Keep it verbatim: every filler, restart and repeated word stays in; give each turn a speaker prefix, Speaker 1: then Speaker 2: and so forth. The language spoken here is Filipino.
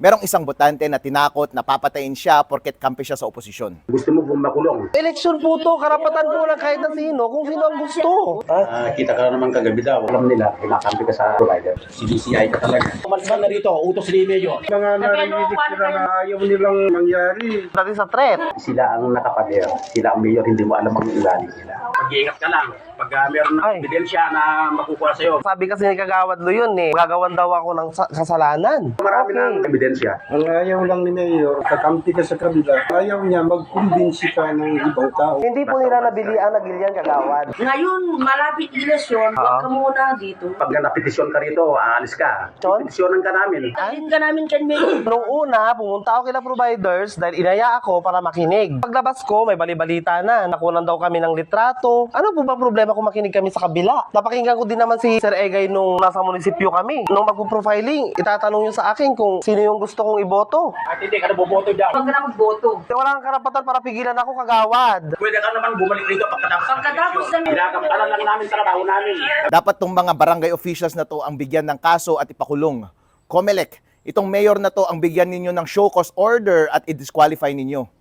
Speaker 1: merong isang botante na tinakot na papatayin siya porket kampi siya sa oposisyon.
Speaker 2: Gusto mo bang makulong?
Speaker 3: Eleksyon po to, karapatan po lang kahit na sino, kung sino ang gusto.
Speaker 2: Ah, kita ka naman kagabi daw. Alam nila, kinakampi ka sa provider. C B C I ka talaga. Umalis ka na rito, utos ni Mayor.
Speaker 4: Mga narinig sila na ayaw nilang mangyari.
Speaker 3: Dati sa threat.
Speaker 2: Sila ang nakapader. Sila ang mayor, hindi mo alam ang ugali nila. Mag-iingat ka lang. Pag uh, meron ng
Speaker 3: Ay.
Speaker 2: ebidensya na makukuha sa'yo.
Speaker 3: Sabi kasi ni Kagawad Lo yun eh, gagawan daw ako ng sa- kasalanan.
Speaker 2: Marami ng ebidensya.
Speaker 4: Ang ayaw lang ni Mayor, kakampi ka sa kabila, ayaw niya magkumbinsi ka ng ibang tao.
Speaker 3: Hindi po nila nabili ang nagilian Kagawad.
Speaker 5: Ngayon, malapit eleksyon, huwag
Speaker 3: Ah.
Speaker 5: ka muna dito.
Speaker 2: Pag napetisyon ka rito, aalis ka.
Speaker 3: John?
Speaker 2: Petisyonan ka namin.
Speaker 5: Dalhin ka namin kay Mayor.
Speaker 3: Nung una, pumunta ako kila providers dahil inaya ako para makinig. Paglabas ko, may balibalita na. Nakunan daw kami ng litrato. Ano po ba problema kung makinig kami sa kabila? Napakinggan ko din naman si Sir Egay nung nasa munisipyo kami. Nung magpo-profiling, itatanong yun sa akin kung sino yung gusto kong iboto.
Speaker 2: At hindi ka na boboto dyan.
Speaker 5: Huwag ka na magboto.
Speaker 3: Wala kang karapatan para pigilan ako, Kagawad.
Speaker 2: Pwede ka naman bumalik rito pagkatapos ng
Speaker 5: Pagkatapos
Speaker 2: eleksyon.
Speaker 5: ng-
Speaker 2: Ginagampanan lang namin trabaho namin.
Speaker 1: Dapat tong mga barangay officials na to ang bigyan ng kaso at ipakulong. Comelec, itong mayor na to ang bigyan ninyo ng show cause order at i-disqualify ninyo.